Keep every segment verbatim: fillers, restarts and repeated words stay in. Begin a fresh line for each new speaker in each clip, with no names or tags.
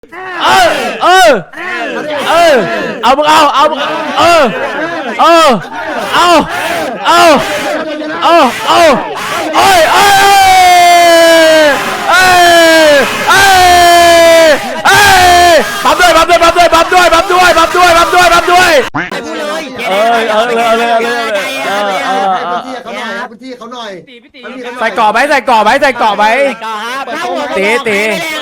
เออเออเออเอามึงเอาเอาเออเออเอาเอาเอาเอาเอ้ยเอ้ยเอ้ยเอ้ยเอ้ยปั๊มด้วยปั๊มด้วยปั๊มด้วยปั๊มด้วยปั๊มด้วยปั๊มด้วยปั๊มด้วยปั๊มด้วยเออเออเลยเลยเลยเออเออ
พื้นที่เขาหน่อย
ใส่เกาะไหมใส่เกาะไหมใส่เกาะไหมตีตี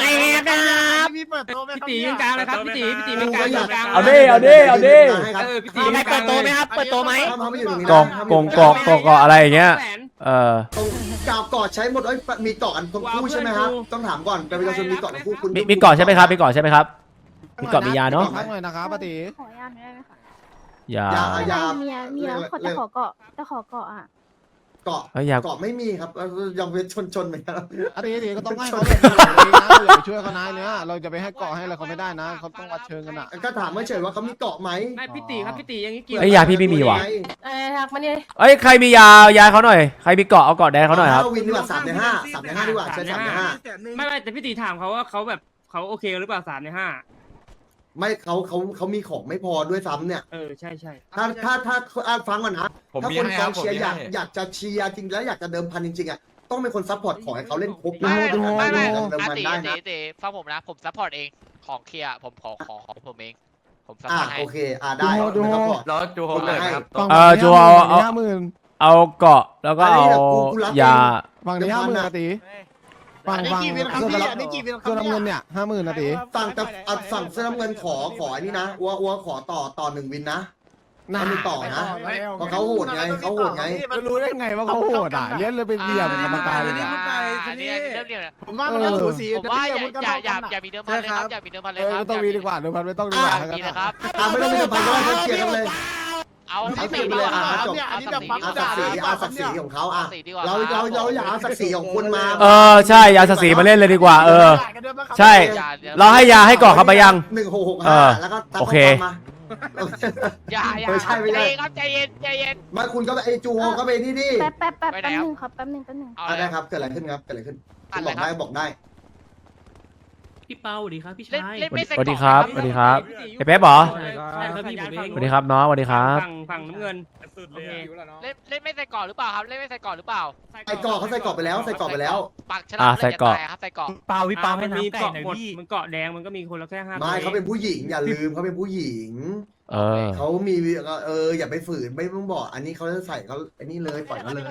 พี่ตียืนกลางเลยครับพี่ตีพี่ตีเป็นกลางกลาง
เอาดิเอาดิเอาดิ
เออพี่ตีไม่เปิดโตไหมครับเปิดโตไหม
กองกองกองกองเกาะอะไรอย่างเงี้ยเออ
เกาะเกาะใช้หมดเอ้ยมีเกาะอันคู่ใช่ไหมครับต้องถามก่อนแต่ประชาชนมีเกาะคู่คุณ
มีเกาะใช่ไหมครับมีเกาะใช่ไหมครับมีเกาะมียาเนาะ
พักหน่อยนะครับป้าตี
ขอยาหน่อยได้ไหมคะ
ยาย
า
มียามียาขอจะขอเกาะจะขอเกาะอ่ะ
เกาะเกาะไม่มีครับยังเป็นชนชนเหมือนกัน
ป้าตีตีก็ต้องให้เขาเลยนะเราอย่าไปช่วยเขานายเนี่ยเราจะไปให้เกาะให้อะไรเขาไม่ได้นะเขาต้องวัดเชิงกันอ่ะ
ก็ถามไม่เฉยว่าเขามีเกาะไหม
ไม่พี่ตีครับพี่ตีอย่างนี้เกี่ยว
ไอ้ยาพี่ไม่มีว่ะ
เอ้ยทักมาเนี่ย
เอ้ยใครมียายาเขาหน่อยใครมีเกาะเอาเกาะแดงเขาหน่อยครับ
วินดีกว่าสามในห้าสามในห้าดีกว่าใช่สามในห้า
ไม่ไม่แต่พี่ตีถามเขาว่าเขาแบบเขาโอเคหรือเปล่าสามในห้า
ไม่เขาเขาเขามีของไม่พอด้วยซ้ำเนี่ย
เออใช่ใช่
ถ้าถ้าถ้าฟังก่อนนะถ้าคนกองเชียร์อยากอยากจะเชียร์จริงแล้วอยากจะเดิมพันจริงๆอ่ะต้องเป็นคนซัพพอร์ตขอให้เขาเล่นครบ
ไม่ไม่ไม่อาตีอาตีฟังผมนะผมซัพพอร์ตเองของเคลียร์ผมขอขอของผมเองผมซัพพอร์ตให้
โอเคอ่าได้ดู
แล้วจูโฮเลยครับ
เออจูเอาเอาเอาเกาะแล้วก็เอายา
ฝั่งนี้ห้าหมื่นนาทีฝั่งฝั่งเสื้อเสื้อน้ำเงินเนี่ยห้าหมื่นนาที
ฝั่งแต่ฝั่งเสื้อน้ำเงินขอขออันนี้นะอัวอัวขอต่อต่อหนึ่งวินนะน่ามีต่อนะเพราะเขาโหดไงเขาโหดไง
รู้ได้ไงว่าเขาโหดอ่ะเลี้ยนเลยไปเบี่ยมกรรมการเลย
อ่ะอันนี้เริ่มเรียนผมว่ามันสูสีผมว่าอย่าอย่าอย่ามีเดิมพันเลยครับอย่ามีเดิมพันเลยครับ
ไม่ต้องมีดีกว่าเดิมพันไม่ต้องดีกว่า
นะครับ
ไม่ต้องมีเดิมพันก็ได้เกียร์กันเลย
เอา
สักสีเลยอ่ะจบเอาสักสีเอาสักสีของเขาอ่ะเราเราเราอยากเอาสักสีของคุณมา
เออใช่ยาสักสีมาเล่นเลยดีกว่าเออใช่เราให้ยาให้เกาะเขาไปยัง
หนึ่งหกหกห้าแล้วก็
โอเค
อย่าอย่าใจเย็นครับใจเย็นใจเย็น
มาคุณก็ไปไอจูโฮก็ไปนี่ดิ
แป๊บแป๊บแป๊บแป๊บนึงครับแป๊บนึงแป๊บนึง
ได้ครับเกิดอะไรขึ้นครับเกิดอะไรขึ้นบอกได้บอกได้
พี่เปาสวัสดีครับพี่ชาย
สวัสดีครับสวัสดีครับไอ้เป๊ปเหรอสวัสดีครับน้องสวัสดีครับ
ฝั่งฝั่งน้ำเงิน
เล่นเล่นไม่ใส่ก่อนหรือเปล่าครับเล่นไม่ใส่ก่อนหรือเปล่า
ใส่ก่อเขาใส่ก่อไปแล้วใส่ก่อไปแล้ว
ปักฉลามใส่ก่อครับใส่ก่อ
เปาวิปาให้น้ำไก่หน่อยพี่มันเกาะแดงมันก็มีคนละแค่ห้า
ไม่เขาเป็นผู้หญิงอย่าลืมเขาเป็นผู้หญิง
เออ
เขามีเอออย่าไปฝืนไม่ต้องบอกอันนี้เขาจะใส่เขาอันนี้เลยปล่อยเขาเลย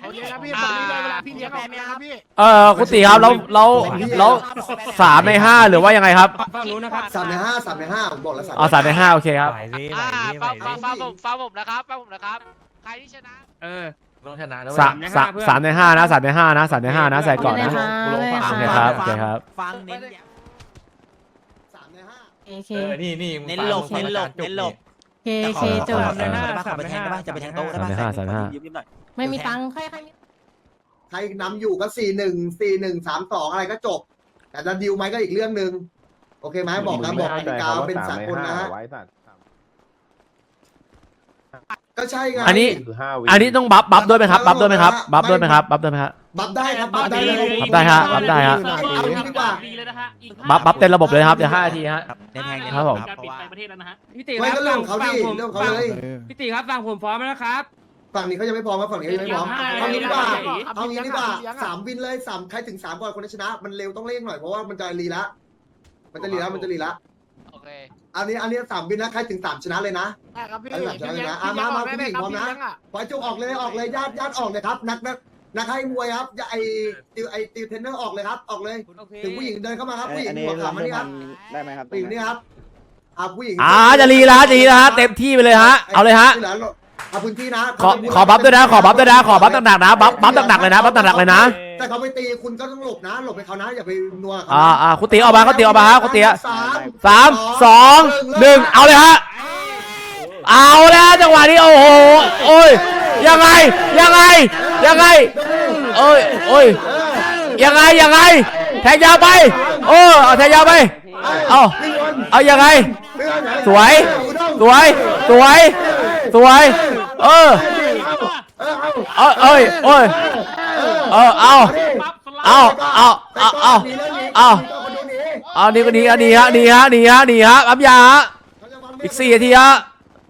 เออคุณตีครับแล้วแล้วแล้วสามในห้าหรือว่ายังไงครับ
ฝั่งนู้นนะครับ
สามในห้าสามในห้าผมบอกแล้วสาม
อ๋อสามในห้าโอเคครับ
อ่าฟังฟังฟังผมฟังผมนะครับฟังผมนะครับใครที่ชนะ
เออ
ต้องชนะด้วย
สามสามสามในห้านะสามในห้านะสามในห้านะใส่ก่อนนะโอเคครับโอเคครับ
ฟังเน้น
สามในห้า
โอเค
นี่นี่
เน้นหลบเน้นหลบเน้นหลบเคเคจบ
เลยนะ
ขอไปแทงได้ป่ะจะไปแทงโต๊ะได้ป่ะ
สามในห้าสามในห้า
ไม่มีตังค์ใครใคร
ใครนำอยู่ก็สี่หนึ่งสี่หนึ่งสามสองอะไรก็จบแต่จะดิวไหมก็อีกเรื่องหนึ่งโอเคไหมบอกนะบอกกติกาเป็นสากลนะฮะก็ใช่ไง
อันนี้อันนี้ต้องบัฟบัฟด้วยไหมครับบัฟด้วยไหมครับบัฟด้วยไหมครับบัฟด้วยไหมครับ
บัฟได้ครับบัฟได้เลย
บัฟได้ฮะบัฟได้ฮะ
เอาดีกว่า
บัฟบัฟเต็มระบบเลยครับเดี๋ยวห้านาทีฮะ
แทง
ครับผม
ปิดไปประเทศแล้วนะฮะพี่ตี
ไม่ก็เรื่องเขาดิเรื่องเขาเลย
พี่ตีครับฟังผมพร้อมแล้วครับ
ฝั่งนี้เขายังไม่พร้อมฝั่งนี้ยังไม่พร้อมเอางี้ดีกว่าเอางี้ดีกว่าสามวินเลยสามใครถึงสามก่อนคนชนะมันเร็วต้องเร่งหน่อยเพราะว่ามันจะรีละมันจะรีละมันจะรีละ
โอเค
อันนี้อันนี้สามวินนะใครถึงสามชนะเลยนะใครถึงสามชนะเลยนะอ่ะมามาผู้หญิงพร้อมนะปล่อยจุกออกเลยออกเลยญาติญาติออกเลยครับนักนักนักให้มวยครับไอติวไอติวเทรนเนอร์ออกเลยครับออกเลยถึงผู้หญิงเดินเข้ามาครับผู้หญิงหัวขาวมานี่ครับ
ได้ไหมครับ
ผู้หญิงนี่ครับอ่ะผู้หญิง
อ่าจะรีละจะรีละฮะเต็มที่ไปเลยฮะเอาเลยฮะ
เอาพื้นที่นะ
ขอขอบัฟด้วยนะขอบัฟด้วยนะขอบัฟหนักๆนะบัฟบัฟหนักๆเลยนะบัฟหนักๆเลยนะ
แต่เขาไปตีคุณก็ต้องหลบนะหลบไปเขานะอย่าไปนัว
อ่าอ่าคุณตีออกมาคุณตีออกมาฮะคุณตีสามสองหนึ่งเอาเลยฮะเอาแล้วจังหวะนี้โอ้โหโอ้ยยังไงยังไงยังไงโอ้ยโอ้ยยังไงยังไงแทงยาวไปโอ้เอาแทงยาวไปเอาเอายังไงสวยสวยสวยสวยเออเออเอ้ยโอ้ยเออเอาเอาเอาเอาเอาเอาเอานี่ก็หนีฮะหนีฮะหนีฮะหนีฮะหนีฮะปั๊มยาฮะอีกสี่นาทีฮะ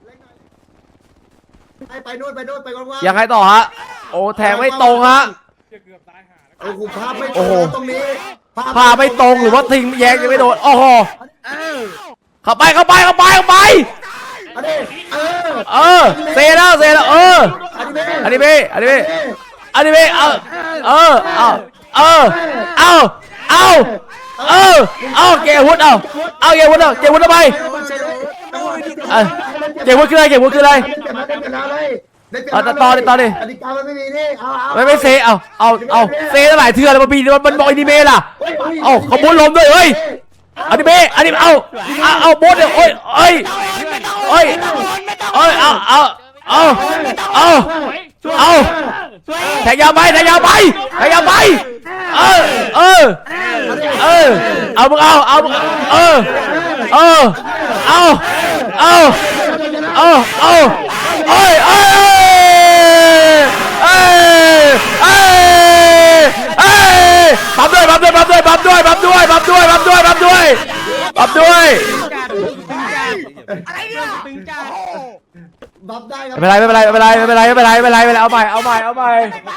ไปไปนู่นไปนู่นไปว่างๆ
ยังไงต่อฮะโอ้แทงไม่ตรงฮะ
โอ้โหภาพไม่ต
โอ้
รง
โห
ตรงนี้
พาไม่ตรงหรือว่าทิ้งแยงยังไม่โดนโอ้โหเข้าไปเข้าไปเข้าไปเข้าไป
อันนี้เออ
เออเซแล้วเซแล้วเออ
อันนี้ไม่
อันนี้พี่อันนี้พี่อันนี้พี่เออเออเอาเออเอาเอาเอาเอาเกวุฒเอาเอาเกวุฒเอาเกวุฒทำไมเออเกวุฒคืออะไรเกวุฒคืออะไร เอาต่อต่อดิต่อดิ
กติกามันไม่มีนี่เอาเอา
ไม่ไม่เซเอาเอาเอาเซตั้งหลายเทื่อแล้วมันมีมันมันบอกอนิเมะล่ะเอาขบวนลมด้วยเฮ้ยอนิเมะอนิเมะเอาเอาเอาโบสเนี่ยโอ้ยเอ้ยเอ้ยเอ้ยเอาเอาเอาเอาเอาแทงยาวไปแทงยาวไปแทงยาวไปเออเออเออเอามึงเอาเอาเออเออเอาเอาเอาเอาเอ้ยเอ้ยเอ้ยเอ้ยเอ้ยปั๊มด้วยปั๊มด้วยปั๊มด้วยปั๊มด้วยปั๊มด้วยปั๊มด้วยปั๊มด้วยปั๊มด้วยปั๊มด้วย
บัฟได้ครับ
ไม่เป็นไรไม่เป็นไรไม่เป็นไรไม่เป็นไรไม่เป็นไรไม่เป็นไรไม่เป็นไรเอาใหม่เอาใหม่เอาใหม่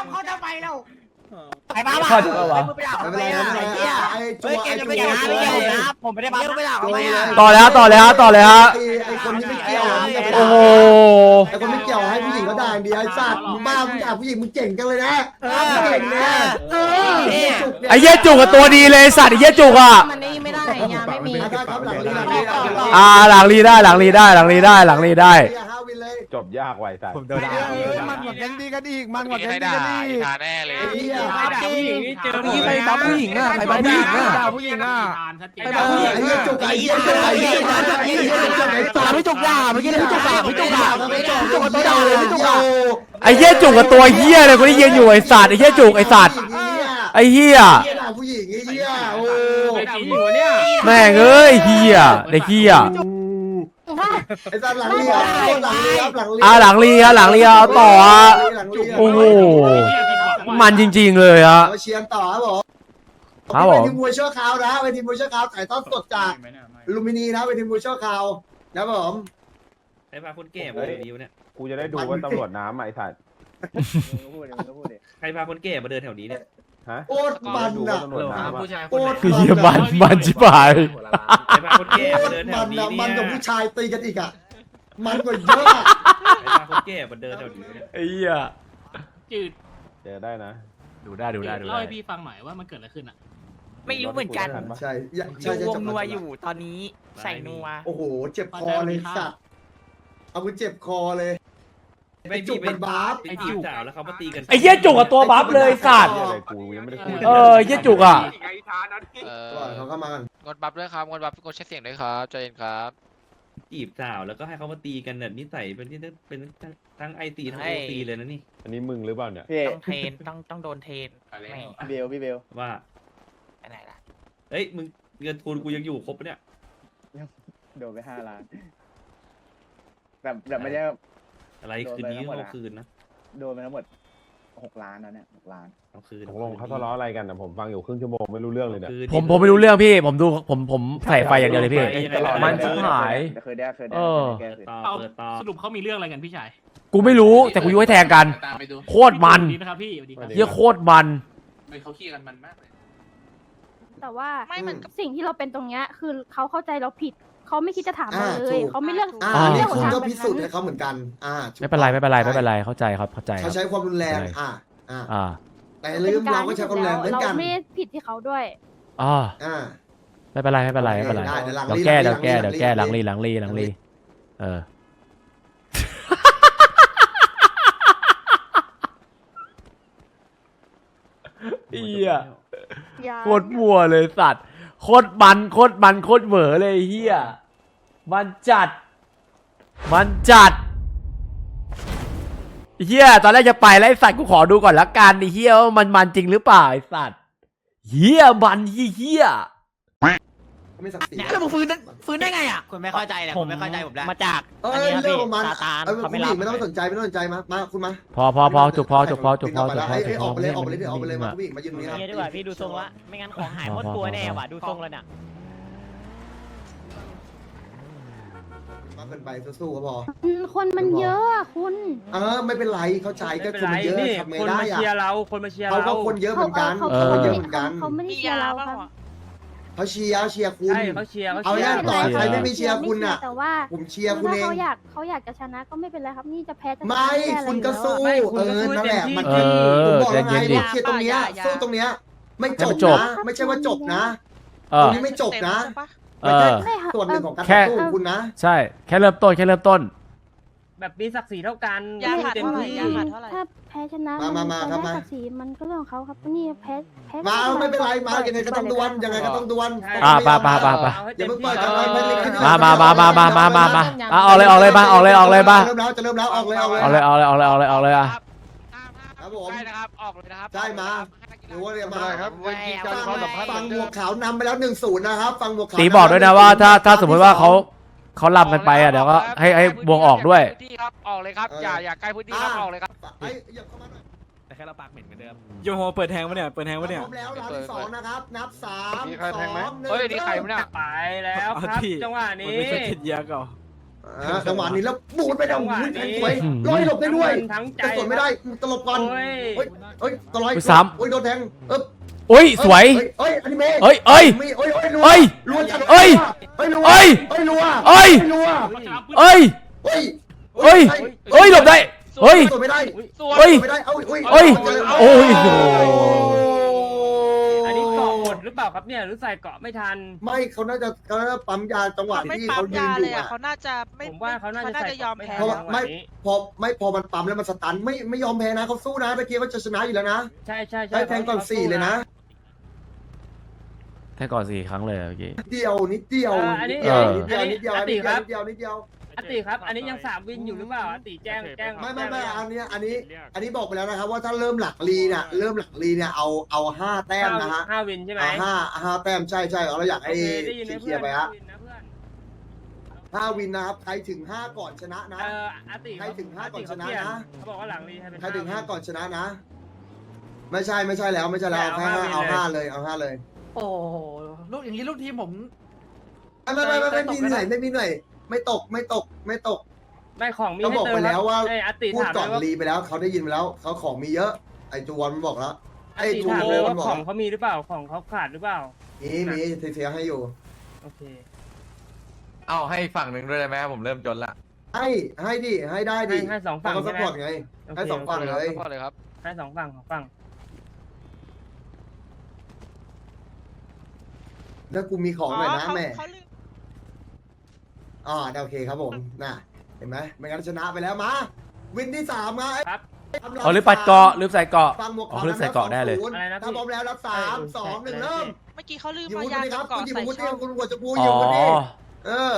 ไปบ้า
ข้อจะเอาวะ
ไม่เป็นไรไม่เป็นไรไอ้จัวไอ้จัว
ผมไม่ได้บ้าไม่ได้
จัวเลย
ต่อเลยฮะต่อเลยฮะต่อเลยฮะ
ไอ้คนที่ไม่เกี่ยว
โอ้โห
ไอ้คนไม่เกี่ยวให้ผู้หญิงเขาด่าอย่างเดียวไอ้สัตว์มึงบ้ามึงด่าผู้หญิงมึงเก่งจังเลยนะเก่งนะ
ไอ้เหี้ยจุกกับตัวดีเลยสัตว์ไอ้เหี้ยจุกอ่ะ
มันนี่ไม่ได้ยาไม่มี
ได้ครับหลังนี้หลังนี้หลังนี้
อ่าหลังรีได้หลังรีได้หลังรีได้หลังรีได้
ห้าวินเลย
จบยากไวสัตว์
ผมโดนด่ามันกว่าแก๊งดีกันอีกมันกว่า
นี่
แก๊ง
ให้
ดี
ด่า
กันอีก
ทาแน่เลย
ไอ้เหี้ย
ผู้หญิงนี่เจอ
ใครบัฟผู้หญิงอ่ะใครบัฟผู้หญิงอ่ะ
ผู้หญิงอ่ะ
ไอ้เหี้ยจุกไอ้เหี้ยจุกไอ้เหี้ยจุกไอ้เหี้ยจุกไอ้สัตว์
ไม่จุกด่าเมื่อกี้ไม่จุกด่าไม่จุกด่า
ไม่จุกจุกตัวด่าเลยไม่จุกด่า
ไอ้เหี้ยจุกกับตัวเหี้ยเลยกูได้ยินอยู่ไอ้สัตว์ไอ้เหี้ยจุกไอ้สัตว์ไอ้เหี้ย
เหี้ยด่าผู้หญิงไอ้เหี้ยโอ้
ผู้หญิงเนี่ย
แม่งเอ้ยเหี้ยไอ้เหี้ย
ไอ้สัตว์หลังเรียหลังเรียหลังเรีย
อ่าหลังรีฮะหลังรีเอาต่อฮะโอ้โหมันจริงๆเลยฮะ
มาเชียร์ต่อครับผม
ครับผม
เป็นทีมมวยชั่วคราวนะเป็นทีมมวยชั่วคราวถ่ายทอดสดจากลูมินีนะเป็นทีมมวยชั่วคราวนะครับผม
ไอ้พาคนแก่มาดีวะเนี่ย
กูจะได้ดูว่าตำรวจน้ำไอ้สัตว์
ใครพาคนแก่มาเดินแถวนี้เนี่ย
ฮะ
โคตรมัน
ดู
อ่ะ
ว่าตำรวจน้ำอะ
โคตร
เหี้ยมันมันชิบหาย
ใครพาคนแก่
โค
มา
ตร
เดินแถ
มั
วน นี้
อ่ะ
เนี่ย
มันกับผู้ชายตีกันอีกอ่ะมันกว่าเยอะ
ใครพาคนแก่มาเดินแถวนี้เนี่ย
ไอ้เหี้ย
จืด
เจอได้นะ
ดูได้ดูได้ดู
เล่า
ได้
ให้พี่ฟังหน่อยว่ามันเกิดอะไรขึ้นอ่ะ
ไม่รู้เหมือนกัน
ใช่ใช่
ดู
ใช่
วงนัวอยู่ตอนนี้ใส่นัว
โอ้โหเจ็บคอเลยสัตว์เอากูเจ็บคอเลย
ไม่
จุ
จี
ก
บ
มันบาป
ไปจีบสาวแล้วเขามาตีกัน
ไอ้เหี้ยจุกกับตัวบัฟเลยสัตว์
เหี้ยอะไรกูยังไม่ได้พูด
เออเหี้ยจุกอ่ะ
เออ
เขาเข้ามากัน
งดบัฟด้วยครับงดบัฟงดใช้เสียงด้วยครับใจเย็นครับ
จีบสาวแล้วก็ให้เขามาตีกันเนี่ยนิสัยเป็นที่เป็นทั้งไอตีทั้งโอตีเลยนะนี่
อันนี้มึงหรือเปล่าเนี่ย
ต้องเทรนต้องต้องโดนเทรนแม่
เบลพี่เบล
ว่า
ไปไหนล่ะ
เฮ้ยมึงเงินทุนกูยังอยู่ครบปะเนี่ย
โดนไปห้าล้านแบบแบบไม่ได้
อะไรคืนนี้เอาคืนนะ
โดนไปทั้งหมดหกล้านนะเนี่ยหกล้าน
เอาคืน
ตกลงเขาทะเลาะอะไรกันนะผมฟังอยู่ครึ่งชั่วโมงไม่รู้เรื่องเลยเนี่ย
ผมผมไม่รู้เรื่องพี่ผมดูผมผมใส่ไฟอย่างเดียวเลยพี่ มันชิบหาย
เคยได้เคยได้
เออ
แก้เคย
ต่อ
เอา
เปิดต่อ
สรุปเขามีเรื่องอะไรกันพี่ชาย
กูไม่รู้แต่กูยุให้แทงกัน โคตรมัน
สวัสดีนะครับพี่สวัสดีครับ
เหี้ยโคตรมัน
เขาขี้กันมันมากเลย
แต่ว่า
ไม่มัน
สิ่งที่เราเป็นตรงเนี้ยคือเขาเข้าใจเราผิดเขาไม่คิดจะถามเราเลยเขาไม่เลือก
อ่า
อ่า
นี่
เรื่อง
คุณ
ทาง
ก็
แบบ
พิสูจน์
นั้
ให้
น
เขาเหมือนกัน อ่า
ไม่เป็นไรไม่เป็นไรไม่เป็นไรเข้าใจครับเข้าใจค
เขา
รับ
ใช้ความรุนแรง
ใช่
อ่าอ่า
อ่า
แต่อย่าลืมเราก็ใช้ความรุนแรงเหมือนกัน
เราไม่ได้ผิดที่เขาด้วย
อ่า
อ่า
ไม่เป็นไรไม่เป็นไรไม่เป็นไร
ได้เดี๋ยวหลัง
เดี๋ยว
รี
แก้
หลั
เดี๋ยว
ง
แก้
รี
เดี๋ยว
หลังรี
แก้ห
หลั
ลัง
งรี
รีหลังรีหลังรีเออ เฮียโคตรมัวเลยสัตว์โคตรมันโคตรมันโคตรเหวอเลยเฮียมันจัด มันจัดเฮียตอนแรกจะไปแล้วไอ้สัตว์กูขอดูก่อนละกันไอ้เฮียว่ามันมันจริงหรือเปล่าไอ้สัตว์เฮียมันเฮีย
ไม่ศักดิ์ศรี
แล้วมึงฟื้นฟื้นได้ไงอ่ะ
คุณไม่เข้าใจแหละคุณไม่เข้าใจผมแล้ว
มาจาก
เออ
อันนี้ครับ
เรื่อง
พี่
ของมัน
ซาตาน
เออ
เขา
คุณ
ไม่
ห
รั
ญิ
บ
งไม่ต้องสนใจไม่ต้องสนใจมามาคุณมา
พอพอพอจุกพอจุกพอจุกพอจุกพอจุกพอ
ไอ้ออกไปเลยออกไปเลยเดี๋ยวออกไปเลยมาคุณหญิงมายืนตรงนี้ครับ
เงี้ยดีกว่าพี่ดูทรงละไม่งั้นของหายหมดตัวแน่ว่ะดูทรงแล้วเนี่ย
เกินไปสู้ๆก็พอ
อืมคนมันเยอะอะคุณ
เออไม่เป็นไรเข้าใจก็
ไม่
คนมันเยอะ
นี่
ทำไง
คน
ได้
มา
อะ
เชียร์เราคนมาเชียร์
เขา
เรา
ก็คนเยอะเหมือนกัน
เขา
เขา
เขา
คนเยอะ
เขา
เหมือนกัน
เขาไม่ได้เชียร์เราครับ
เขาเชียร์เชียร์คุณ
ใช่เขาเชียร์เขา
เอา
เชีย
เนี่ย
ร์
ต่อใครไม่มีเชียร์คุณน่ะ
แต่ว่า
ผมเชียร์คุณ
ถ้า
เอง
เขาอยากเขาอยากจะชนะก็ไม่เป็นไรครับนี่จะแพ้จะชนะ
ไม่
ด้อะไร
คุณก็สู้
ไม่คุณ
เอ
ก็
อ
สู้
นั่นแหละ
เต็มที่
มัน
เออ
ผมบอกแล้วไง
ใจเย็นดิ
ว่าเคลียร์ตรงเนี้ยสู้ตรงเนี้ยไม่จบ
ให้มันจบ
นะไม่ใช่ว่าจบนะ
เอ
ตร
อง
นี้ไม่จบนะ
เอ
ไม่ใช่
อ
ไม่ค่ะ
ส่วนหนึ่งของการ
แค่
ต่อสู้ของคุณนะ
ใช่ แค่เริ่มต้นแค่เริ่มต้น
แบบมีศักดิ์ศรีเท่ากัน
ยาขาด
เต็ม
เท่าไหร่
ที่
ยาขาดเท่าไหร่
ถ้าแพ้ชนะ
มามามา
จะ
ครับ
ได้
มา
ศักดิ์ศรีมันก็เรื่องของเขาครับนี่แพ้แพ้
มาไม่เป็นไรมายังไงก็ต้องดวลยังไงก็ต้องดวล
อ่าไปไปไปไป
เอาให้
อย่า
เต็ม
เพิ่ง
ที่
เปิดกันเลย
มามามามามามามามาอ่ะออกเลยออกเลยมาออกเลยออกเลยมา
เริ่มแล้วจะเริ่มแล้วออกเลยออกเลย
ออกเลยออกเลยออกเลยออกเลยออกเลยอ่ะ
ครับผม
ใช่นะครับออกเลยนะครับ
ใช่มาหรือว่าเรียกมา
ครับเวทีการความสัมพันธ์
ฟังหมวกขาวนำไปแล้วหนึ่งศูนย์นะครับฟังหมวกขาว
ตีบอกด้วยนะว่าถ้าถ้าสมมติว่าเขาเขาลำกันไปอ่ะเดี๋ยวก็ให้ให้วงออกด้วย
พื้นที่ครับออกเลยครับอย่าอย่าใกล้พื้นที่ครับออกเลยครับ
ไอ้เหยียบเข้ามาหน่อย
แต่แค่เราปากเหม็นเหมือนเดิม
โยโฮเปิดแทงปะเนี่ยเปิดแทงปะเนี่ย
พร้อมแล้วรอบที่สองนะครับนับสาม
มีใครแทงไหม
สองหนึ่ง
เฮ้ยนี่ใครวะเนี่ย
ไปแล้วครับจังหวะนี้
เยอะก่อน
อ่าจังหวะนี้แล้วบูดไปแล้ว
จังหวะ
อุ้ย
นี้
สวยลอยหลบได้ด้วย
ทั้งใจ
แต่สวนไม่ได้ตลบก่อน
โอ้ย
เฮ้ยเฮ้ยตลอย
อุ๊ยซ้ำ
โอ้ยโดนแทงเอ๊บ
อุ้ยสวย
เฮ้ยอนิเมะ
เอ้ยเอ้ย
มีเอ้ยเอ้ยรัว
เอ้ย
รัวจัด
เอ้ย
เอ้ยรัว
เอ้ย
เอ้ยรัว
เอ้ย
รัว
เอ้ย
เอ้ย
เอ้ยเอ้ยหลบได้เฮ้ย
สวนไม่ได้
สวย
เอ้ย
สวนไม่ได้เอ้ยเอ้ย
เอ้ยโอ้ยโอ้
อันนี้เกาะหมดหรือเปล่าครับเนี่ยหรือใส่เกาะไม่ทัน
ไม่เขาน่าจะเขาน่าจะปั๊มยาจังหวะที่เขายืนอยู่อะ
เขาน่าจะไม่
ผมว่าเขาน่าจะใส่
ยอมแพ้
เพราะว่า
จังห
ไม่
วะนี้
พอไม่พอมันปั๊มแล้วมันสตันไม่ไม่ยอมแพ้นะเขาสู้นะตะเกียบว่าจะชนะอยู่แล้วนะ
ใช่ใช่ใช่
ได้แทงก่อนสี่เลยนะ
แค่ก่อนสี่ครั้งเลยเมื่อกี้
นิดเดียวนิดเดียว
เอออันนี้
เออ
นิดเดียวนิดเดียว
อัน
นิ
นี้
ดเดียว
ครับ
นิดเดียวนิดเดียว
อติครับ อันนี้ยังสามวินอยู่หรือเปล่าอติแจ้งแจ้ง
ไม่ไม่ไม่
แจ้ง
อันนี้อันนี้ อันนี้บอกไปแล้วนะครับว่าถ้าเริ่มหลักลีเนี่ยเริ่มหลักลีเนี่ยเอาเอาห้าแต้มนะฮะ
ห้าวินใช่ไหม
เอาห้าห้าแต้มใช่ใช่เราอยาก
โอ
ให้
เคได้ยินนะ
เคลี
เพื่
ย
อน
ร์ไปฮะ
ได้ยินนะเพื่อน
ห้าวินนะครับใครถึงห้าก่อนชนะนะ
เอออติ
ใครถึงห้าก่อนชนะ
เปลี่ย
นะ
เขาบอกว่าหลังรีให้เป็น
ใครถึงห้าก่อนชนะนะ ไม่ใช่ไม่ใช่แล้วไม่ใช่แล้วเอาแค่ห้าเอาห้าเลยเอาห้าเลย
โอ้ลูกอย่างนี้ลูกทีมผม
ไม่ไม่ไม่ไม่ไม่มีเหนื่อยไม่มีเหนื่อยไม่ตกไม่ตกไม่ตก
ไม่ของมี
ก็
ให้
บอก
เติม
ไปแล้วว่า
ไอ้อติ
พูด
ถาม
ก่อน
เลยว่า
รีไปแล้วเขาได้ยินไปแล้วเขาของมีเยอะไอ้จูวอนมันบอกแล้ว
อ
ไอ้
ติ
จู
ถาม
โว
เลย
มั
ว่าน
บอก
ของเขามีหรือเปล่าของเขาขาดหรือเปล่า
มีมีเสียให้อยู่
โอเคเอาให้ฝั่งหนึ่งด้วยได้ไหมผมเริ่มจนละ
ให้ให้ดิให้ได้ดิ
ให้ให้สองฝั่ง
เขาส
ใช่ไหม
ปอร์ตไงให้สองฝั่งเลย
ก่อนเลยครับ
ให้สองฝั่งสองฝั่ง
ถ้ากูมีของหน่อยนะแม่อ๋อโอเคครับผมน่ะเห็นไหมไม่งั้นชนะไปแล้วมาวินที่สามมา
ครับ
เอาลืมปัดเกาะลืมใส่เกาะ
ฟังหมวก
อ๋อลืมใส่เกาะได้เลย
อะไรนะพี่
ถ้าพร้อมแล้วรับสามสองหนึ่งเริ่ม
เมื่อกี้เขาลืม
อยู่
มา
คุณ
ยา
นี่ครับ
ก่อ
คุณอยู่
ใส่
คุณ
ช่
เอ
อง
งคุณหัวจะพู
อ๋
อยู่คุณนี่
อ
เออ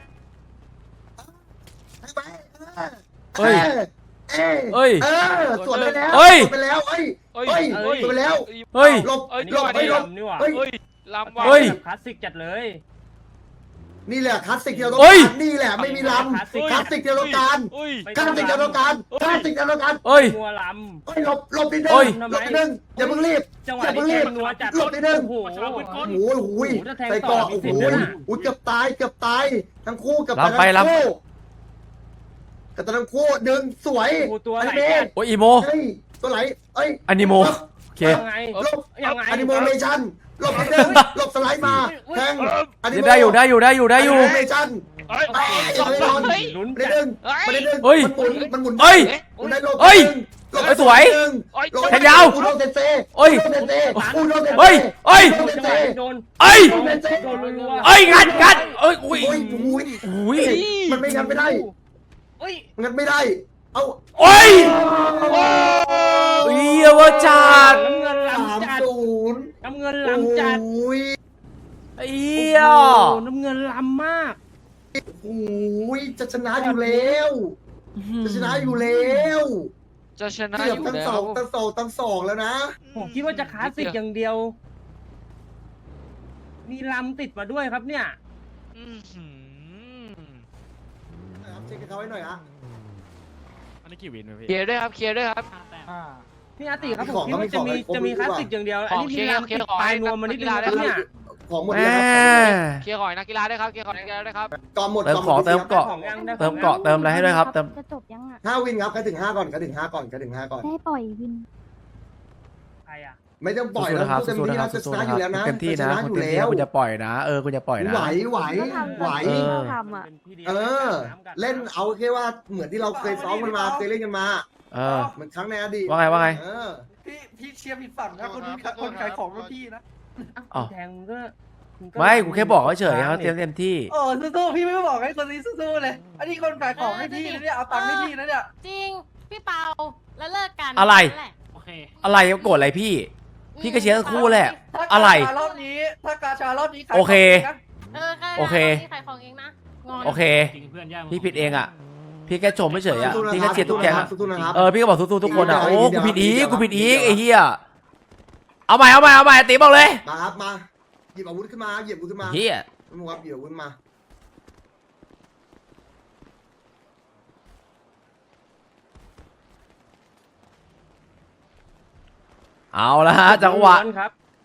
เฮ้ย
เอ้ย
เอ้ย
เออสวนไปแล้ว
เฮ้ย
สวนไปแล้วเอ้ย
เอ้ย
เฮ้ย
เอ้ย
สวนไปแล้ว
เฮ้ย
หลบ
เอ้ย
หลบ
นี่
ไปหลบ
นี่หว่า
เฮ้ย
เฮ้ยลำว่า
เฮ้ย
คลาสสิกจัดเลย
นี่แหละคลาสสิกที่เราต้อง
เฮ้ย
การนี่แหละไม่มีลำคลาสสิกที่เราต้องการ
เฮ้ย
คลาสสิกที่เราต้องการคลาสสิกที่เราต้องการ
เอ้ย
มัวล
เฮ้ยหลบหลบนิดนึ
เฮ้
ง
ย
หลบนิดนึงอย่าเพิ่งรีบ
ำจังหวะ
อย่าเพิ่
นี้
งรีบ
นัวจัด
หลบนิดนึง
โอ้โห
โอ้โหโอ้โห
ถ้าแทง
ใส่
ต่อ
เกาะ
มี
โอ้โห
สิทธิ์ด้วยนะ
อุ้ยเกือบตายเกือบตายทั้งคู่เกือบตาย
ลำไป
ทั้ง
ลำ
คู่เกือบตายทั้งคู่ดึงสวย
โอ้โหตัว
อัน
ไหล
นี้
จัด
โอ้ยอีโม
เฮ้ยตัวไหลเอ้ย
อนิโมโอเค
ยังไง
หลบ
ยังไง
อนิโมเมชั่นหลบนิดนึงหลบสไลด์มาแทงอนิโม
ได้อยู่ได้อยู่ได้อยู่ได้อยู่
อนิโมเมชั่น
เฮ้ย
เอ้ยยังไม่โดน
ลุ้น
ไม่
จั
ได้
ด
ดึงไม่ได้ดึง
เฮ้ย
มันหมุนมันหมุน
เฮ้ย
มันได้หลบ
เฮ้ย
หลบ
เฮ้ยสวย
เฮ้ย
หลบ
แทงยาว
อุโดเซนเซ่
เฮ้ย
อุโดเซนเซ่อุโดเซนเซ่
เฮ้ยเฮ้ย
อุโดเซน
จังห
เซ่
วะนี้โดน
เอ้ย
โดนโดนรัวๆ
เอ้ยงัดงัดเอ้ยอุ้ย
โอ้ยโอ้ย
อุ้ย
มันไม่งั้นไม่ได้
เฮ้ย
งั้นไม่ได้ เอา
โอ้ยเฮียว่าจัด
น้ำเงิน
สาม
ล้ำจัด
ศูนย์
น้ำเงินล้ำจัด
โอ้ย
เฮีย
โอ้โหน้ำเงินล้ำมาก
โอ้ยจะชนะอยู่แล้ว จะชนะอยู่แล้ว
จะชนะ
เกื
อ
อบ
ยู่
ตั้ง
แล้
สอ
ว
งตั้งสองตั้งสองแล้วนะ
ผมคิดว่าจะคลาสสิกอย่างเดียว มีลำติดมาด้วยครับเนี่ย
อื้อหือ
ครับเช็คให้เขาให้หน่อยฮะ
อันนี้กี่วินไหมพี่
เคลียร์ด้วยครับเคลียร์ด้วยครับ
พี่อาติครับ
มี
ผ
ขอ
ม
ง
คิดว่าจะมี
ก็มีของ
จะมี
ให้
ค
ครบ
ลาสสิกอย่างเดียว
ข
อัน
อง
นี้
เคลี
มี
ยร์
ลำติดปลายนวมมานิดนึงนะครับเนี่ย
ขของหมด
แห
แล้วครับ
เคลียร์ของนักกีฬาด้วยครับเคลียร์ของนักกีฬาด้วยครับ
ก่อนหมด
เติมของเติมเกาะเติมเกาะเติมอะไรให้ด้วยครับเติม
จะจบยังอ่ะ
ห้าวินครับใครถึงห้าก่อนใครถึงห้าก่อนใครถึงห้าก่อน
ได้ปล่อยวิน
ใครอ่ะ
ไม่ต้องปล่อย
สู้
แล้ว
ๆนะครับ
เต็ม
สู้ๆ
ที่
นะครั
นะ
บ
จะช
สู้ๆ
นะ
นะ
อ
ค
ยู่
รับ
แล้วนะ
เต็มที่
จะช
นะ
นะอ
คุณ
ยู่
เต็มที่
แล้
นะ
ว
คุณจะปล่อยนะเออคุณจะปล่อยนะ
ไหวไหวไหว
ก็ทำอ่ะ
เออ เล่นเอาแค่ว่าเหมือนที่เราเคยซ้อมกันมาเคยเล่นกันมา
เออ
เหมือนครั้งในอดีต
ว่าไงว่าไง
เออ
พี่พี่เชียร์ผิดฝั่งนะคนนี้คนขายของเป็นพี่นะ
อ๋อ
แทงก็
ไม่กูแค่บอกเฉยๆเขาเตรียมเต็มที่
โอ้สู้ๆพี่ไม่บอกให้คนนี้สู้ๆเลย อันนี้คนขายของให้พี่นะเนี่ยเอาตังค์ให้พี่นะเนี่ย
จริงพี่เปาแล้วเลิกกัน
อะไร
โอเค
อะไรโกรธอะไรพี่ พี่ก็เชียร์ทั้งคู่แหละ
ถ้า
อะไร
กาชารอบนี้ถ้ากาชารอบนี้ขาย
โอเค
ของนะ
เออ
โอเค
ขายของเองนะงอน
โอเค
จริงเพื่อนย่า
พี่ผิดเองอ่ะ พี่แค่ชมเฉยๆอ่ะ
สู้ๆนะ
พี่
ครั
แค่
บ
เชียร์ทุกแก๊งอะ
สู้ๆนะครับ
เออพี่ก็บอกสู้ๆทุกคนอ่ะ
ดี
โอ้
เดี๋ยว
กูผิดอีก
เดี๋ยว
กูผิดอีก
เดี๋ยว
ไอ้เหี้ยเอาใหม่เอาใหม่เอาใหม่ตีบอกเลย
มาครับมาหยิบอาวุธขึ้นมาหยิบอาวุธขึ้นมา
เหี้ย
มึงครับหยิบอาวุธขึ้นมา
เอาละฮะจังหวะ
ครับ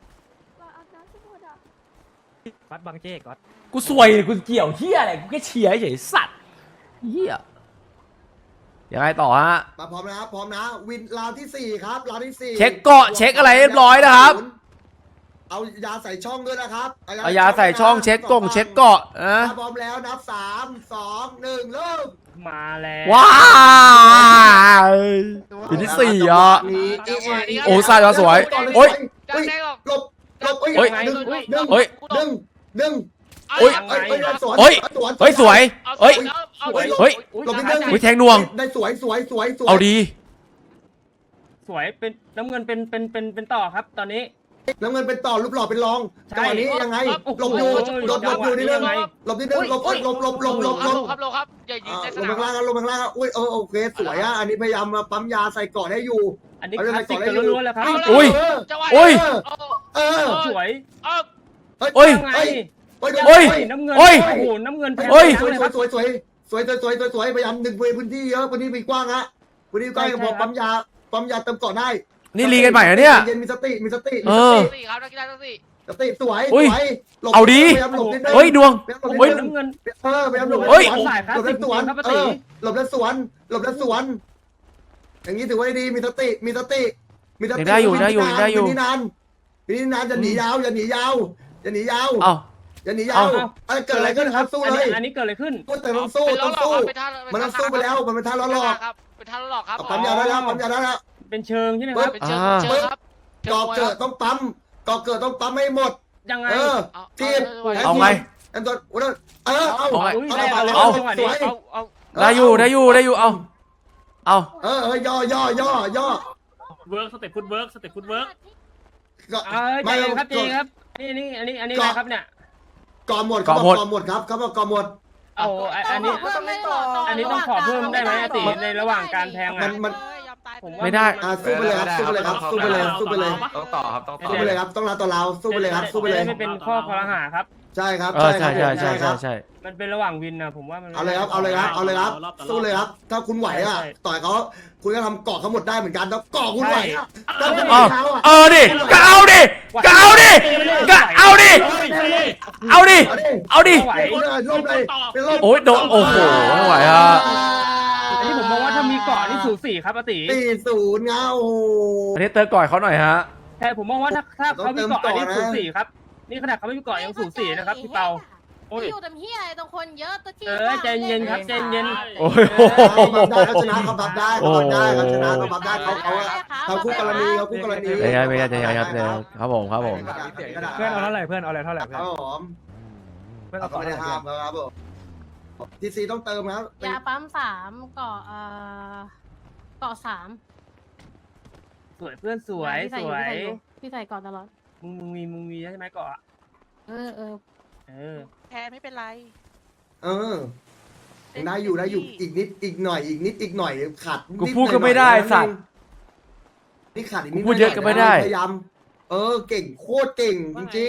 ฟัดบังเจ๊ก๊อต
กูสวยกูเกี่ยวเหี้ยอะไรกูแค่เชียร์เฉยๆสัตว์เหี้ยยังไงต่อฮะ
มาพร้อมนะครับพร้อมนะวินราวที่สี่ครับราวที่สี่
เช็คเกาะเช็คอะไรเรียบร้อยนะครับ
เอายาใส่ช่องด้วยนะครับ
เอายาใส่ช่องเช็คกงเช็คเกาะนะ
ถ้าพร้อมแล้วนับสามสองหนึ่งเริ่ม
มาแล้ว
ว้าวปีที่สี่อ่ะ
นี่
โอ้ซาดสวยโอ้ย
เฮ้ย
แดงออก
หลบหลบเฮ้ย
เฮ้ย
ดึงดึง
เฮ้ย
ดึงดึง
โอ้ย
เฮ้ยเฮ้ยสวน
เฮ้ย
สวน
เฮ้ยสวย เฮ้ย
เอา
เฮ้ย
เฮ้ย
หลบนิดนึง
วิแทงนวง
ได้สวยสวยสวยสวย
เอาดี
สวยเป็นน้ำเงินเป็นเป็นเป็นเป็นต่อครับ ตอนนี้
น้ำเงินเป็นต่อรูปหล่อเป็นรอง
ใช่
จังหวะนี้ยังไง
โอ้โห
หลบอยู่หลบหลบอยู่นิดนึง
ยังไง
หลบนิดนึงหลบหลบหลบหลบหลบหลบหลบ
ครับลงครับอย่ายืน
อ่า
ในส
ลง
นาม
ข้างล่างครับลงข้างล่างครับอุ้ยเออโอเคสวยอ่ะอันนี้พยายามมาปั๊มยาใส่เกาะให้อยู่
อันนี้
เอาเรื่อง
คลาสสิก
ไปก่อน
กันล้วนๆแล้วครับ
อุ้ย
จังหวะ
อุ้ย
เออ
สวย
เออ
โอ้ย
ไง
เฮ้ย
โอ้ย
น้ำเงิน
โอ้ย
โอ้โหน้ำเงินแทง
โอ้ย
สวย
เลย
ส
ค
วย
รับ
สวยสวยสวยสวยสวยสวยสวยพยายามดึงพื้นที่เยอะพื้นที่มีกว้างฮะพื้นที่กว้าง
ใช่
พอ
ครับ
ปั๊มยาปั๊มยาเติมเกาะได้
นี่รีกันใหม่เหรอเนี่ย
เย็นมีสติมีสติ
เออ
สี่ครับนักกีฬาทั้งสี่
สติสวย
อุ้ย
สวยหลบ
เอาดี
พยายามหลบนิดนึง
เฮ้ยดวง
พยายามหลบนิดนึง
น้ำเงิน
เออพยายามหลบ
เฮ้ย
หลบ
สายคลาส
หลบ
สิ
แล้
ก
วสวน
ครับป้า
เอ
ตี
อหลบแล้วสวนหลบแล้วสวน อย่างนี้ถือว่าดีมีสติมีสติมีสติ
ได้อยู่ได้อยู่ได้อยู่
วิธีนานวิธีนานอย่าหนียาวอย่าหนียาวอย่าหนียาว
เอ้า
อย่าหนียาวเอ้ยเกิดอะไรขึ้นครับสู้
อัน
เล
นี้
ย
อันนี้เกิดอะไรขึ้น
พูดแต่ต้องสู้
เป็นล้
ต้
อ
อง
หลอก
สู้
ครับเป็นท่า
มันต้องสู้ไปแล้วมันเป็นท่าล้อหลอก
ครับเป็นท่าล้อหลอกครับ
ปั๊มยาได้แล้วปั๊มยาได้แล้ว
เป็นเชิงใช่ไหมครับ
เป็นเชิง
อ่า
เชิงครับ
ก่อเกิดต้องปั๊มก่อเกิดต้องปั๊มให้หมด
ยังไง
เออ
เอา
ทีม
เอาไง
แอมตัวเออเอา
เอาไง
อุ้ย
เอา
ได้
เอา
แล้ว
เอา
จังหวะ
ส
นี้
วย
เอาเอา
ได้อยู่ได้อยู่ได้อยู่เอาเอา
เออเออย่อย่อย่อย่อ
เวิร์กสเต็ปฟุตเวิร์กสเต็ปฟุตเวิร์ก
ก็
เออใจ
ไม่
เย็นครับใจ
ก่อ
เย็นครับนี่นี่อันนี้อันนี้อะไรครับเนี่ย
ก่อหมดเขาบอกก่อหมดครับเขาบอกก่อหมด
เอาอันนี้
เพิ่มไม่ต่อ
อันนี้ต้องขอเพิ่มได้ไหมอาติในระหว่างการแทง
มั
อ่ะ
นมัน
ผมว่า
ไม่ได้
อ่ะสู้ไปเลยครับสู้ไปเลยครับสู้ไปเลยสู้ไปเลย
ต้องต่อครับต้องต่อ
สู้ไปเลยครับต้องรับต่อเราสู้ไปเลยครับสู้ไปเลย
จะด้ไม่เป็นข้อคอรหาครับ
ใช่ครับ
เออใช่ใช่ใช่
ค
ใช่
รับ
ใช่
มันเป็นระหว่างวินนะผมว่ามัน
เอาเลยครับเอาเลยครับเอาเลยครับสู้เลยครับ ถ้าคุณไหวอ่ะ
ใช่
ต่อยเขาคุณก็ทำเกาะเขาหมดได้เหมือนกันแล้วเกาะคุณไหวอ่ะ
ใช่
ถ้าคุณ
เอา
เขาอ่ะ
เออดิก็เอาดิก็เอาดิก็เอาดิเอาดิ
เอาดิ
เอาดิ
เป็นลมเลยเป็นลม
โอ้ยโดนโอ้โหไม่ไหวฮะ
อันนี้ผมมองว่าถ้ามีเกาะนี่สูสีครับอาติ
สี่ศูนย์เงา
อันนี้เติร์ก่อยเขาหน่อยฮะ
แต่ผมมองว่าถ้าถ้าเขามีเกาะอันนี้สูสีครับ นี่ขนาดเขาไม่มีเกาะยังสูสีนะครับพี่เปา โอ้ย
อยู่แต่เฮียอะไรตรงคนเยอะตัวที่
เออใจเย็นครับใจเย็น
โอ้ยโห
เขาบับได้เขาชนะเขาบับได้เขาบับได้เขาชนะเขาบับได้เขาเขาเขาคู่กรณีเขาคู่กรณี
ไม่ใช่ไม่ใช่ไม่ใช่ครับครับผมครับผม
เพื่อนเอาเท่าไหร่เพื่อนเอาอะไรเท่าไหร่เพื่
ค
อน
รับผม
เพื่อน
เรา
เอา
ก็
ต่อ
ไม่ได้ห้ามครับผมทีซีต้องเติมครับ
ยาปั๊มสามเกาะเอ่อเกาะสาม
สวยเพื่อนสวย
พี่
ส
ใส่อ
วย
พี่ใส่อยู่พี่ใส่เกาะตลอด
มึงมึงมีมึงมีใช่ไหมเกาะ
เออเออ
เออ
แพ้ไม่เป็นไร
เออได้อยู่ได้อยู่อีกนิดอีกหน่อยอีกนิดอีกหน่อยขาด
กูพูดก็ไม่ได้สัตว์
นี่ขาดอีกนิด
กูพูดเยอะก็ไม่ได้
พยายามเออเก่งโคตรเก่งจริง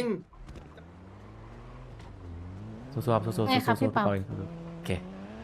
สู้ๆครับสู้ๆสู้ๆ
ไงครับพี่
สู้ๆ
เปา
โอเค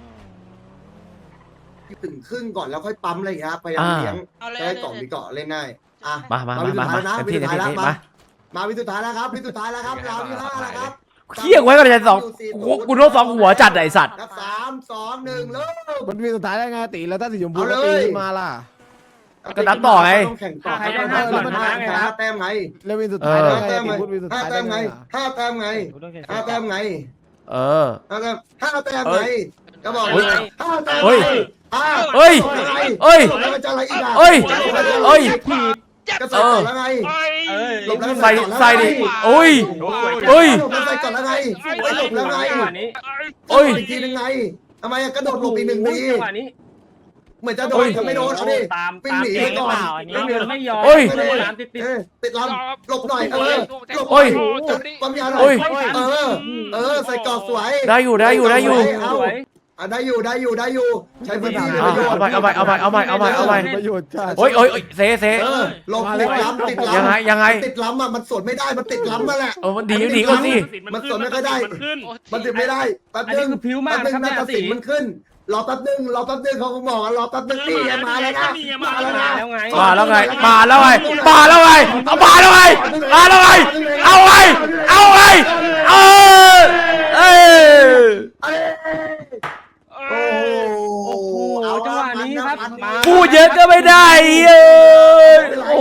ๆถึงครึ่งก่อนแล้วค่อยปั๊มอะไรอย่างเงี้ยครับพยายาม
อ่า
เลี้ยง
เอาเลย
จะได้เกาะมีเกาะเล่นง่ายอ่ะ
มามามามามาเต็มที่เต็มที่เต็มที่มา
มาวิสุดท้ายแล้วครับวิสุดท้ายแล้วครับราวที่ห้าแล้วครับ
เขี้ยงไว้กันเลยสองกูกูโดนสองหัวจัดไอสัตว์
นับสามสองหนึ่งเริ่ม
มันมีสุดท้ายได้ไงตีแล้วถ้าสีชมพู
เอา
ก็
เลย
ตีขึ้นมาล่ะ
ก็นับต่อไง
ต้องแข่งต่อ
ใครได้ห้าส่วนชนะไงครับ
ห้าแต้มไง
แล้ววินสุดท้ายได้
ห้า
ไง
แต้ม
ตี
ไง
พูดวินสุด
ห้า
ท้าย
แต้
ได้
ม
ไง
ไงห้าแต้มไงห้าแต้มไง
เออ
ห้าแต้มห้าแต้มไงก็บอก
เฮ้ย
ห้าแต้ม
เฮ้ย
ห้า
เฮ้ย
อะไร
เฮ้ย
หลบแล้วมันจะอะไรอีกอะ
เฮ้ย
หลบแล้วจะอะไร
เฮ้ย
ก็ใส่ก่อนแล้วไง
เอ้ย
หลบแล้ว
ใส่
ก่อนแล้ว
ใส่ดิ
ไง
โอ้ย โอ้ย
หลบแล้วใส่ก่อนแล้วไงไม่หลบแล้วไง
จังหวะนี้
โอ้ย
อีกทีนึงไงทำไมอะกระโดดหลบอีกหนึ่งที
จังหวะนี้
เหมือนจะโดนแต่ไม่โดนเอาดิ
ตาม
วิ่ง
ตาม
หนี
เก่
ไป
งหรื
ก่
อ
อน
เปล่าอันนี้มันไม่ยอม
โอ้ย
ไม่ได้ตามติดติด
เออติดลำหลบหน่อยเออหลบ
โอ้ย
ความยาวหน่
โอ้
อย
ย
เออ เออ ใส่กรอบสวย
ได้อยู่ได้อยู่ได้อยู่
เอา
สวย
อ่ะได้อยู่ได้อยู่ได้อยู่ ใช้พื้นที่เป็น
เอา
ประโยชน์
ไปเอาไปเอาไปเอาไปเอาไปเอาไป
ประโยชน์จ้า
โอ้ยโอ้ยโอ้ยเซเซ
เออหลบติดล้ำติดล้ำ
ยังไงยังไง
ติดล้ำอ่ะมันสวนไม่ได้มันติดล้ำมาแหละ
เออมันดีหนีก่อนสิ
มันสวนไม่ค่อยได้
มันขึ้น
มันติดไม่ได้แป๊บ
อัน
นึ
นี้
ง
คือผิวมา
แป๊
ก
บนึ
นะ
ง
ครับ
นา
เนี่ย
ฏศิ
สี
ลป์มันขึ้นรอแป๊บนึงรอแป๊บนึงเขาก็บอกว่ารอแป๊บนึงนี่ไงมาแล้วนะมาแล้วนะ
แล้วไง
มาแล้วไงมาแล้วไงมาแล้วไงเอามาแล้วไงมาแล้วไงเอาไงเอาไงเออเออ
เอ้ยโอ้
โอ้โหจังหวะนี้ครับมา
พูดเยอะก็ไม่ได้เอ้ยโอ้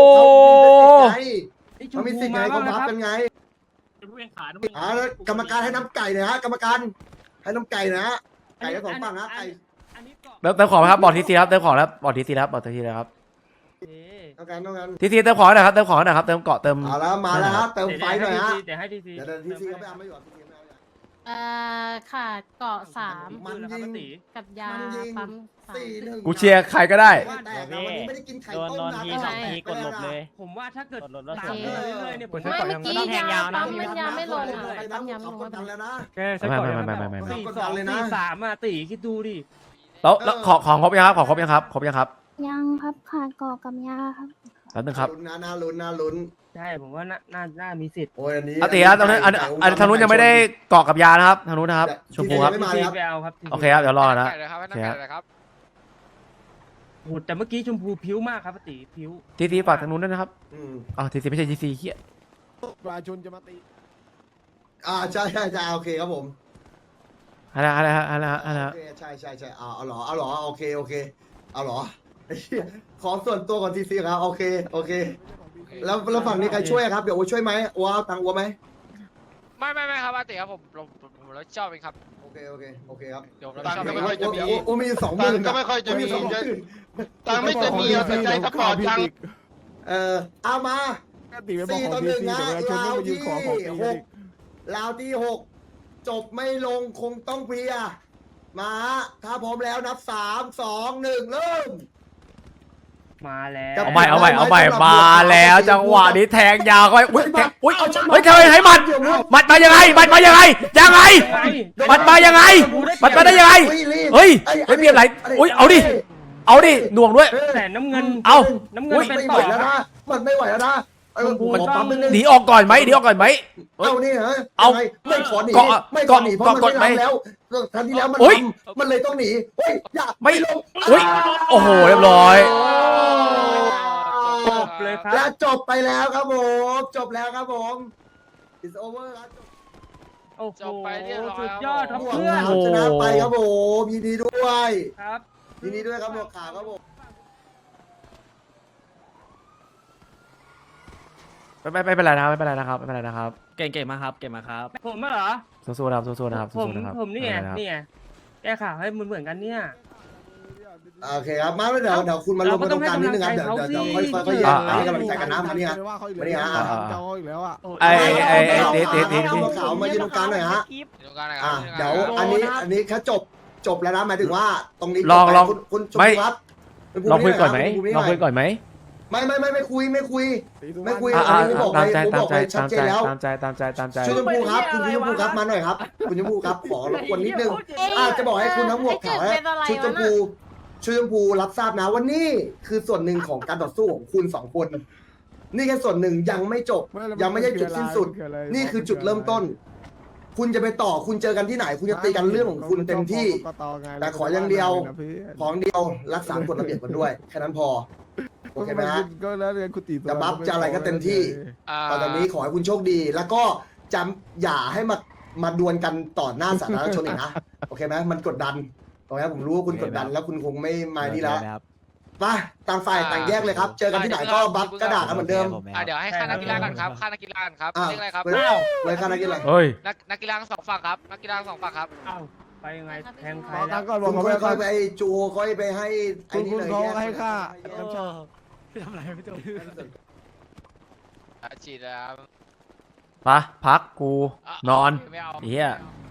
เขามีสิทธิ์ไงเขาพับกันไง
เป็นผู้แข่งขันผู้แข่ง
อ่า
ขัน
แล้วกรรมการให้น้ำไก่หน่อยฮะกรรมการให้น้ำไก่หนะฮะไก่ทั้งสองฝั่งฮะไก่
อันนี้เกาะ
เติมเติมของไหมครับบอกทีซีครับเติมของแล้วบอกทีซีครับบอกทีซีเลยครับ
เอ๊ะ
ต้องการต้องการ
ทีซีเติมของหน่อยครับเติมของหน่อยครับเติมเกาะเติม
เอาแล้วมาแล้วฮะเติมไฟหน่อยฮะ
เดี๋ยวให้ทีซี
เดี๋ยวเดี๋ยวทีซีเขาไปเอาไม่อยู่ทีซีไม่เอา
เอ่อค่ะเกาะสาม
มันยิง
กับยา
มันยิง
ปั๊มสาม
สี่หนึ่ง
กูเชียร์ใครก็ได้
แต่วันนี้ไม่ได้กินไข่ต้มนะ
ผมว่าถ้าเกิด
กดรถแล้ว
ตามเรื่อยๆเนี่ยผม
ใช้
ไม่
ก่อน
เมื่
ยั
อง กี้
ต้องแทงยาวนะ
ปั๊มมันยาไม่ลงอ่ะ
ไป
ปั๊
น้ำ
มยา
เขา
ไม่ล
ก
ง
ดดันแล้วนะ
แกใช้ก่อนยัง
ไม่ไม่ไม่ไม่
สี่สองสี่สามอ่ะตีคิดดูดิ
แล้วแล้วของของครบยังครับของครบยังครับครบยังครับ
ยังครับขาดเกาะกับยาครับ
แป๊บนึงครับ
ลุ้นนะน่าลุ้นน่าลุ้น
ใช่ผมว่าน่าน่าน่ามีสิทธิ์
โอ้ยอันนี้
อาติครับตรงนั้นอันอันทางนู้นยังไม่ได้เกาะกับยานะครับทางนู้นนะครับชมพูครับ
ไม่มา
ที
ครับ
ไปเอาครับ
โอเคครับเดี๋ยวรอนะ
ไก่เลยครับให้น้ำไก่เลยครับ
โหแต่เมื่อกี้ชมพูผิวมากครับตีผิว
ทีซีฝากทางนู้นด้วยนะครับ
อืม
อ๋อทีซีไม่ใช่ทีซีเฮีย
ประชาชนจะมาตี
อ่าใช่ใช่ใช่โอเคครับผม
อะไรอะไรอะไรอะไร
โอเคใช่ใช่ใช่เอาเอาหรอเอาหรอโอเคโอเคเอาหรอไอ้เหี้ยขอส่วนตัวก่อนทีซีครับโอเคโอเค แล้วแล้วฝั่งนี้ใครช่วยครับเดี๋ยวโอช่วยไหมอัวเอาตังค์อัวไหม
ไม่ไม่ไม่ครับอาติครับผมผมผมผมรับผิดชอบเองครับ
โอเคโอเคโอเคครับ
เดี๋ยวผมรับผิดชอบ
ตัง
เอง
ค์
ครับ
ก็ไม่ค่อยจะมีโอมีสองหมื่นก็ไม่ค่อยจะมีสองหมื่น
ตังไม่จะมีแต่ใจสปอร์ตจัง
เออเอามา
ตีไปบอก
สี่
ข
ต่
อ
อง ห
ที
นึ่ง
ซี
นะ
แต่ประชาชน
ลา
ไม่
ว
มายื
ที่
นขอของตี
ห
กัน
กลาวที่หกจบไม่ลงคงต้องเพลียมาถ้าพร้อมแล้วนับสามสองหนึ่งเริ่ม
มาแล้ว
เอาใหม่เอาใหม่เอาใหม่มาแล้วจังหวะนี้แทงยาวเข้าไปอุ้ยแทงอุ้ยเฮ้ยทำไมให้มัดมัดมายังไงมัดมายังไงยังไงมัดมายังไงมัดมาได้ยังไงเฮ้ยไม่มีอะไรอุ้ยเอาดิเอาดิหน่วงด้วย
แต่น้ำเงิน
เอา
น้ำเงิน
อุ้ย
เป็น
ไม่
ต่
ไหว
อ
แล้ว
ครั
นะ
บ
มันไม่ไหวแล้วนะเออผม
มัน
ขอ
ต้อง
ปั๊มนิดนึง
หนีออกก่อนไหมหนีออกก่อนไหม
เอานี่ฮะ
เอา
ยังไงไม่ขอหนี
เกาะ
ไม่ขอหนีเพราะมัน
เกาะ
ไม่
ไหม
ทำแล้วครั้งที่แล้วมัน
อุ๊ย
ทำมันเลยต้องหนีเฮ้ยอย่า
ไม่
ลง
อุ้ยโอ้โหเรียบร้อย
จบเลยครับ
และจบไปแล้วครับผม จบแล้วครับผม it's over ครับจบ
โอ้โห
จบไปเรียบร้อย
สุดยอดครับ
หมวก
เพื่อน
ขาวชนะไปครับผมยินดีด้วย
ครับ
ยินดีด้วยครับหมวกขาวครับผม
ไม่ไม่ไม่เป็นไรนะครับไม่เป็นไรนะครับไม่เป็นไรนะครับ
เก่งเก่งมากครับ เก่งมากครับ
ผมอะเหรอ
สู้ๆนะครับสู้ๆนะครับ
ผม
สู้ๆนะครับ
ผมนี่ไง
ไม่เป็นไรนะครับ
นี่ไงแก้ข่าวให้มันเหมือนกันเนี่ย
โอเคครับมาเดี๋ยวเดี๋ยวคุณมาลงมาตรงกลางนิดนึงครับเดี๋ยวเดี๋ยวเดี๋ยวค่อยค่อยค่อยแยกให้กำลังใจกันนะมานี่ฮะ
ว่าเขาอีก
มานี่
แล้ว
ฮะ
เจ้าเขาอีกแล้วอ่ะ
ไอ้ไอ้ไอ้เต๋เต๋เต๋
หมวกขาวมายืนตรงกลางหน่อยฮะ
ตรงกลางนะครั
อ่ะ
บ
เดี๋ยวอันนี้อันนี้แค่จบจบแล้วนะหมายถึงว่าตรงนี้
ลองลอง
คุณคุณชม
ไม่
พูครับณภู
ลองคุยก่อนไหม
คุณภู
ลองคุยก่อนไหม
ไม่ไม่ไม่ไม่คุยไม่คุย ไม่คุย
อ่าอ่า
ผมบอกไป
ตามใจ
ผม
ตา
บ
ม
อก
ใจ
ไปชัด
ตาม
เจ
ใจ
นแล้ว
ตามใจตามใจตามใจ
ชุดชมพูครับคุณชมพูครับมาหน่อยครับคุณชมพูครับขอรบกวนนิดนึงอาจจะบอกให้คุณทั้งหมวกขาวและชุดชมพูชุดชมพูรับทราบนะว่านี่คือส่วนหนึ่งของการต่อสู้ของคุณสองคน นี่แค่ส่วนหนึ่งยังไม่จบ ยังไม่ใช่จุดสิ้นสุด นี่คือจุดเริ่มต้น คุณจะไปต่อคุณเจอกันที่ไหน คุณจะตีกันเรื่องของคุณเต็มที่ แต่ขออย่างเดียว ของเดียวรักษากฎระเบียบกันด้วยแค่นั้นพอโอเคไหมฮะ
ก็แล้วเรียนคุณตี
จะบัฟจะอะไรก็เต็มที่
อ่า
ตอนนี้ขอให้คุณโชคดี แล้วก็จำอย่าให้มามาดวลกันต่อหน้าสาธารณชนอีกนะ โอเคไหมมันกดดันโอเคผมรู้ว่าคุณกดดันแล้วคุณคงไม่มานี่แล้วไปต่างฝ่ายต่างแยกเลยครับ เจอกันที่ไหนก็บัฟกระดาษกันเหมือนเดิม
อ่าเดี๋ยวให้ค่านักกีฬากันครับค่านักกีฬากันครับ
อ่ะ
เรียกอะไรครับ
เว้ยไว้ค่านักกีฬา
เฮ้ย
นักนักกีฬาทั้งสองฝั่งครับนักกีฬาทั้งสองฝั่งครับ
เอ้าไปยังไงแทงใคร
บอก
แล้
กั
วน
ก่อนบอ
คุ
ก
ณ
เขา
ค่
ไป
อยๆไปจูค่อยไปให้ไอ้
คุณ
นี่
คุณ
เลย
เขา
แยก
ให้ค่า
อ่ะฉีดแล้ว
ไปพักกูนอน
ไม่เอา
เฮีย